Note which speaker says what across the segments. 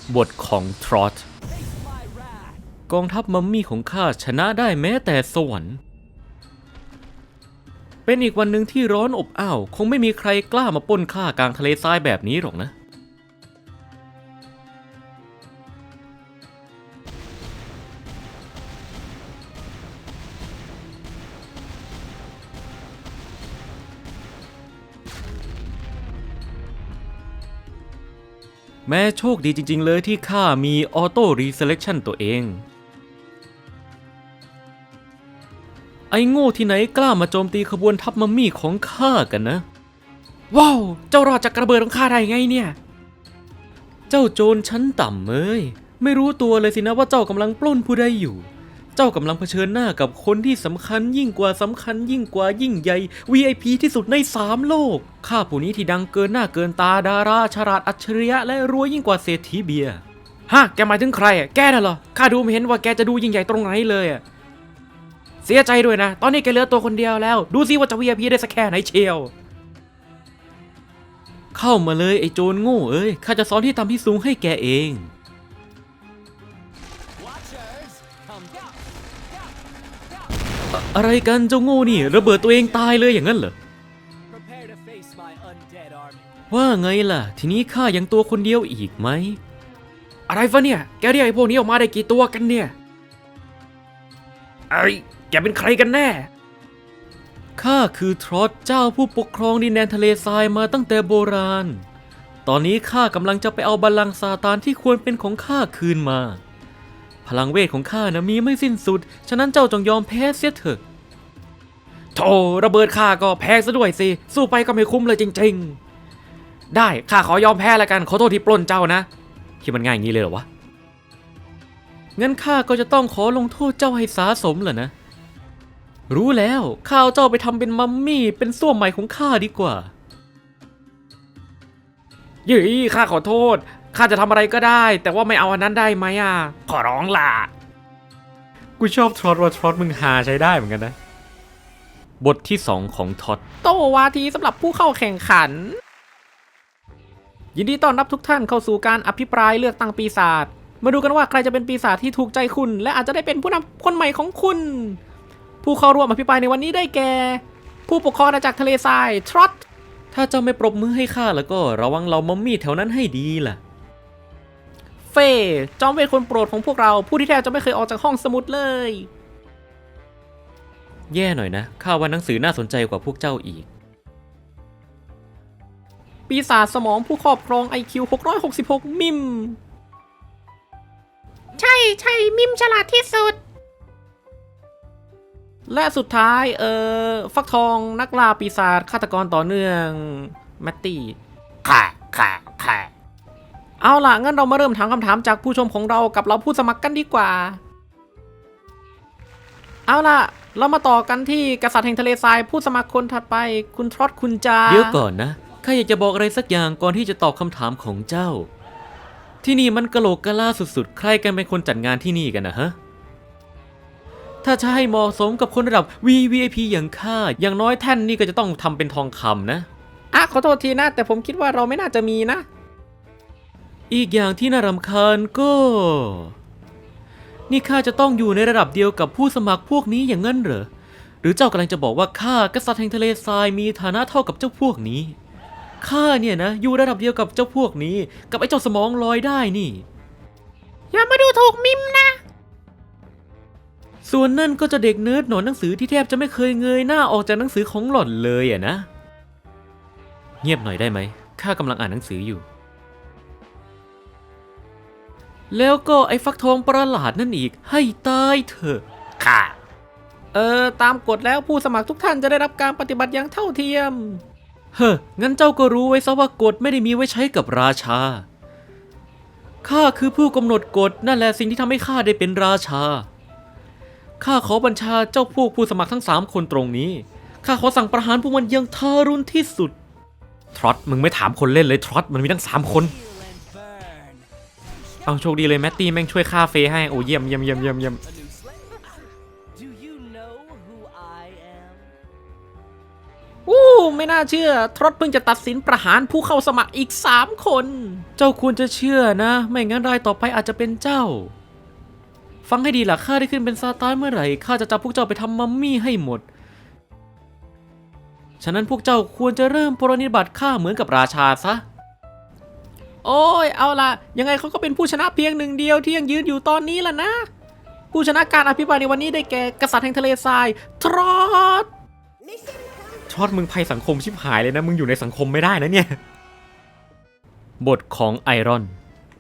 Speaker 1: บทของทรอตกองทัพมัมมี่ของข้าชนะได้แม้แต่สวรรค์เป็นอีกวันหนึ่งที่ร้อนอบอ้าวคงไม่มีใครกล้ามาปล้นข้ากลางทะเลทรายแบบนี้หรอกนะแม้โชคดีจริงๆเลยที่ข้ามีออโต้รีเซเลคชั่นตัวเองไอ้โง่ที่ไหนกล้ามาโจมตีขบวนทัพมัมมี่ของข้ากันนะว้าวเจ้ารอดจากระเบิดของข้าได้ไงเนี่ยเจ้าโจรชั้นต่ำเอ้ยไม่รู้ตัวเลยสินะว่าเจ้ากำลังปล้นผู้ใดอยู่เจ้ากำลังเผชิญหน้ากับคนที่สำคัญยิ่งกว่ายิ่งใหญ่ VIP ที่สุดใน3โลกข้าผู้นี้ที่ดังเกินหน้าเกินตาดาราฉลาดอัจฉริยะและรวยยิ่งกว่าเศรษฐีเบียร์ฮะแกหมายถึงใครอ่ะแกน่ะเหรอข้าดูไม่เห็นว่าแกจะดูยิ่งใหญ่ตรงไหนเลยอ่ะเสียใจด้วยนะตอนนี้แกเหลือตัวคนเดียวแล้วดูสิว่าจะ VIP ได้สักแค่ไหนเชียวเข้ามาเลยไอ้โจรโง่เอ้ยข้าจะสอนที่ทำที่สูงให้แกเองอะไรกันเจ้าโง่นี่ระเบิดตัวเองตายเลยอย่างนั้นเหรอว่าไงล่ะทีนี้ข้ายังตัวคนเดียวอีกไหมอะไรฟะเนี่ยแกเรียกไอ้พวกนี้ออกมาได้กี่ตัวกันเนี่ยไอ้แกเป็นใครกันแน่ข้าคือทรอตเจ้าผู้ปกครองดินแดนทะเลทรายมาตั้งแต่โบราณตอนนี้ข้ากำลังจะไปเอาบัลลังก์ซาตานที่ควรเป็นของข้าคืนมาพลังเวทของข้านะมีไม่สิ้นสุดฉะนั้นเจ้าจงยอมแพ้เสียเถอะโธ่ระเบิดข้าก็แพ้ซะด้วยสิสู้ไปก็ไม่คุ้มเลยจริงๆได้ข้าขอยอมแพ้แล้วกันขอโทษที่ปล้นเจ้านะคิดมันง่ายอย่างนี้เลยเหรอวะงั้นข้าก็จะต้องขอลงโทษเจ้าให้สาสมเหรอนะรู้แล้วข้าเอาเจ้าไปทำเป็นมัมมี่เป็นส้วมใหม่ของข้าดีกว่ายี่ข้าขอโทษข้าจะทำอะไรก็ได้แต่ว่าไม่เอาอันนั้นได้ไหมอ่ะขอร้องล่ะกูชอบทรอตว่าทรอตมึงหาใช้ได้เหมือนกันนะบทที่2ของทอตโตวาทีสำหรับผู้เข้าแข่งขันยินดีต้อนรับทุกท่านเข้าสู่การอภิปรายเลือกตั้งปีศาจมาดูกันว่าใครจะเป็นปีศาจที่ถูกใจคุณและอาจจะได้เป็นผู้นำคนใหม่ของคุณผู้เข้าร่วมอภิปรายในวันนี้ได้แก่ผู้ปกครองอาณาจักรทะเลทรายทรอตถ้าเจ้าไม่ปรบมือให้ข้าแล้วก็ระวังเรามัมมี่แถวนั้นให้ดีล่ะเฟย์จอมเวทคนโปรดของพวกเราผู้ที่แทบจะไม่เคยออกจากห้องสมุดเลยแย่หน่อยนะข้าว่าหนังสือน่าสนใจกว่าพวกเจ้าอีกปีศาจสมองผู้ครอบครอง IQ 666มิมใช่มิมฉลาดที่สุดและสุดท้ายฟักทองนักล่าปีศาจฆาตกรต่อเนื่องแมตตี้ค่ะเอาล่ะงั้นเรามาเริ่มถามคำถามจากผู้ชมของเรากับเราผู้สมัครกันดีกว่าเอาล่ะเรามาต่อกันที่กษัตริย์แห่งทะเลทรายผู้สมัครคนถัดไปคุณทรอตคุณจาเดี๋ยวก่อนนะข้าอยากจะบอกอะไรสักอย่างก่อนที่จะตอบคำถามของเจ้าที่นี่มันกะโหลกกะลาสุดๆใครกันเป็นคนจัดงานที่นี่กันนะฮะถ้าจะให้เหมาะสมกับคนระดับ VVIP อย่างข้าอย่างน้อยแท่นนี่ก็จะต้องทำเป็นทองคำนะขอโทษทีนะแต่ผมคิดว่าเราไม่น่าจะมีนะอีกอย่างที่น่ารำคาญก็นี่ข้าจะต้องอยู่ในระดับเดียวกับผู้สมัครพวกนี้อย่างนั้นเหรอหรือเจ้ากำลังจะบอกว่าข้ากษัตริย์แห่งทะเลทรายมีฐานะเท่ากับเจ้าพวกนี้ข้าเนี่ยนะอยู่ระดับเดียวกับเจ้าพวกนี้กับไอ้เจ้าสมองลอยได้นี่อย่ามาดูถูกมิมนะส่วนนั่นก็จะเด็กเนิร์ดหนอนหนังสือที่แทบจะไม่เคยเงยหน้าออกจากหนังสือของหล่อนเลยอะนะเงียบหน่อยได้ไหมข้ากำลังอ่านหนังสืออยู่แล้วก็ไอ้ฟักทองประหลาดนั่นอีกให้ตายเถอะค่ะตามกฎแล้วผู้สมัครทุกท่านจะได้รับการปฏิบัติอย่างเท่าเทียมงั้นเจ้าก็รู้ไว้ซะว่ากฎไม่ได้มีไว้ใช้กับราชาข้าคือผู้กำหนดกฎนั่นแหละสิ่งที่ทำให้ข้าได้เป็นราชาข้าขอบัญชาเจ้าพวกผู้สมัครทั้ง3คนตรงนี้ข้าขอสั่งประหารพวกมันอย่างทารุณที่สุดทรอตมึงไม่ถามคนเล่นเลยทรอตมันมีทั้ง3คนเอาโชคดีเลยแมตตี้แม่งช่วยฆ่าเฟย์ให้โอ้เยี่ยมไม่น่าเชื่อทรอตเพิ่งจะตัดสินประหารผู้เข้าสมัครอีก3 คน เจ้าควรจะเชื่อนะไม่งั้นรายต่อไปอาจจะเป็นเจ้าฟังให้ดีล่ะข้าได้ขึ้นเป็นซาตานเมื่อไหร่ข้าจะจับพวกเจ้าไปทำมัมมี่ให้หมดฉะนั้นพวกเจ้าควรจะเริ่มปรนนิบัติข้าเหมือนกับราชาซะโอ้ยเอาล่ะยังไงเขาก็เป็นผู้ชนะเพียงหนึ่งเดียวที่ยังยืนอยู่ตอนนี้ล่ะนะผู้ชนะการอภิปรายในวันนี้ได้แก่กษัตริย์แห่งทะเลทรายทรอตมึงภัยสังคมชิบหายเลยนะมึงอยู่ในสังคมไม่ได้นะเนี่ยบทของไอรอน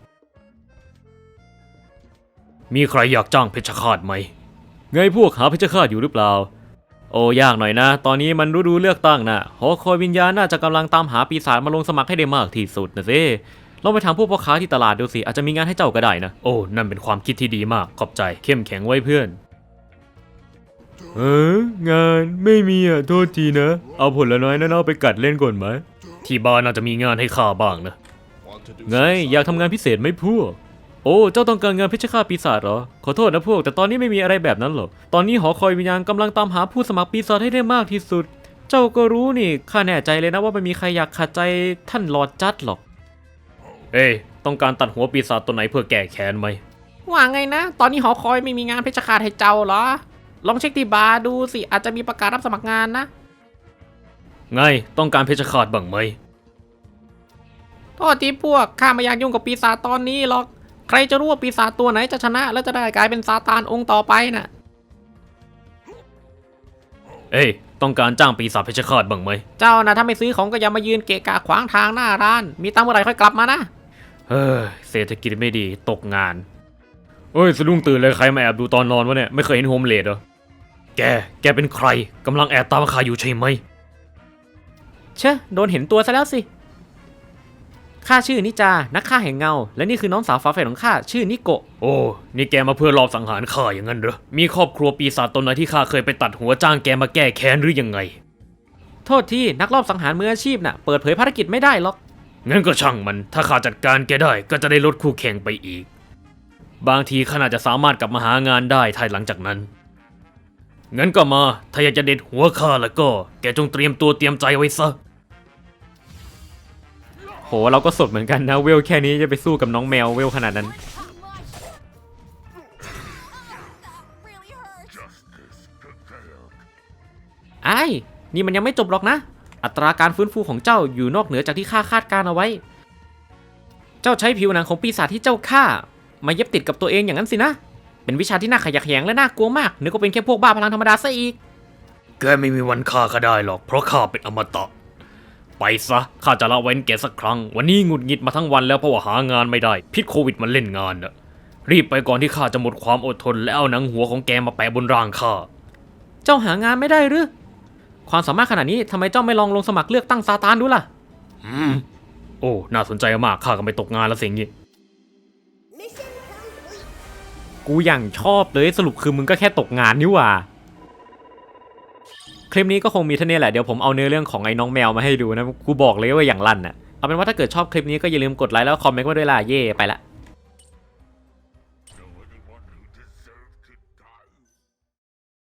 Speaker 1: มีใครอยากจ้างเพชฌฆาตไหมไงพวกหาเพชฌฆาตอยู่หรือเปล่าโอ้ยากหน่อยนะตอนนี้มันฤดูเลือกตั้งนะหอคอยวิญญาณน่าจะกำลังตามหาปีศาจมาลงสมัครให้ได้มากที่สุดนะสิลองไปถามพวกพ่อค้าที่ตลาดดูสิอาจจะมีงานให้เจ้าก็ได้นะโอ้นั่นเป็นความคิดที่ดีมากขอบใจเข้มแข็งไว้เพื่อนงานไม่มีอ่ะโทษทีนะเอาผลน้อยนั่นเอาไปกัดเล่นก่อนไหมที่บ้านน่าจะมีงานให้ข้าบ้างนะไงอยากทำงานพิเศษไหมพวกโอ้เจ้าต้องการงานเพชฌฆาตปีศาจเหรอขอโทษนะพวกแต่ตอนนี้ไม่มีอะไรแบบนั้นหรอกตอนนี้หอคอยวิญญาณกำลังตามหาผู้สมัครปีศาจให้ได้มากที่สุดเจ้าก็รู้นี่ข้าแน่ใจเลยนะว่าไม่มีใครอยากขัดใจท่านลอร์ดจัดหรอกเอ้ยต้องการตัดหัวปีศาจตัวไหนเพื่อแก้แค้นไหมว่าไงนะตอนนี้หอคอยไม่มีงานเพชฌฆาตให้เจ้าเหรอลองเช็คที่บาร์ดูสิอาจจะมีประกาศรับสมัครงานนะไงต้องการเพชฌฆาตบ้างไหมโทษทีพวกข้าไม่อยากยุ่งกับปีศาจตอนนี้หรอกใครจะรู้ว่าปีศาจตัวไหนจะชนะและจะได้กลายเป็นซาตานองค์ต่อไปน่ะเอ้ยต้องการจ้างปีศาจเพชฌฆาตบ้างไหมเจ้านะถ้าไม่ซื้อของก็อย่ามายืนเกะกะขวางทางหน้าร้านมีตังค์เมื่อไหร่ค่อยกลับมานะเฮ้ยเศรษฐกิจไม่ดีตกงานเอ้ยสะดุ้งตื่นเลยใครมาแอบดูตอนนอนวะเนี่ยไม่เคยเห็นโฮมเลดเหรอแกเป็นใครกำลังแอบตามข้าอยู่ใช่ไหมเชะโดนเห็นตัวซะแล้วสิข้าชื่อนิจานักฆ่าแห่งเงาและนี่คือน้องสาวฝาแฝดของข้าชื่อนิโกะโอ้นี่แกมาเพื่อลอบสังหารข้าอย่างนั้นเหรอมีครอบครัวปีศาจตนไหนที่ข้าเคยไปตัดหัวจ้างแกมาแก้แค้นหรือยังไงโทษที่นักลอบสังหารมืออาชีพน่ะเปิดเผยภารกิจไม่ได้หรอกงั้นก็ช่างมันถ้าข้าจัดการแกได้ก็จะได้ลดคู่แข่งไปอีกบางทีข้าน่าจะสามารถกลับมาหางานได้ภายหลังจากนั้นงั้นก็มาถ้าอยากจะเด็ดหัวข้าแล้วก็แกจงเตรียมตัวเตรียมใจไว้ซะโหเราก็สดเหมือนกันนะเวลแค่นี้จะไปสู้กับน้องแมวเวลขนาดนั้นไอ้นี่มันยังไม่จบหรอกนะอัตราการฟื้นฟูของเจ้าอยู่นอกเหนือจากที่ข้าคาดการเอาไว้เจ้าใช้ผิวหนังของปีศาจที่เจ้าฆ่ามาเย็บติดกับตัวเองอย่างนั้นสินะเป็นวิชาที่น่าขยักแขยงและน่ากลัวมากนึกว่าเป็นแค่พวกบ้าพลังธรรมดาซะอีกแกไม่มีวันฆ่าข้าได้หรอกเพราะข้าเป็นอมตะไปซะข้าจะละเว้นแกสักครั้งวันนี้หงุดหงิดมาทั้งวันแล้วเพราะว่าหางานไม่ได้พิษโควิดมันเล่นงานน่ะรีบไปก่อนที่ข้าจะหมดความอดทนแล้วเอาหนังหัวของแกมาแปะบนร่างข้าเจ้าหางานไม่ได้หรือความสามารถขนาดนี้ทำไมเจ้าไม่ลองลงสมัครเลือกตั้งซาตานดูล่ะโอ้น่าสนใจมากข้าก็ไม่ตกงานแล้วสิ่งนี้กูอย่างชอบเลยสรุปคือมึงก็แค่ตกงานนี่หว่าคลิปนี้ก็คงมีเท่านี้แหละเดี๋ยวผมเอาเนื้อเรื่องของไอ้น้องแมวมาให้ดูนะกูบอกเลยว่าอย่างลั่นน่ะเอาเป็นว่าถ้าเกิดชอบคลิปนี้ก็อย่าลืมกดไลค์แล้วคอมเมนต์มาด้วยล่ะเย่ไปละ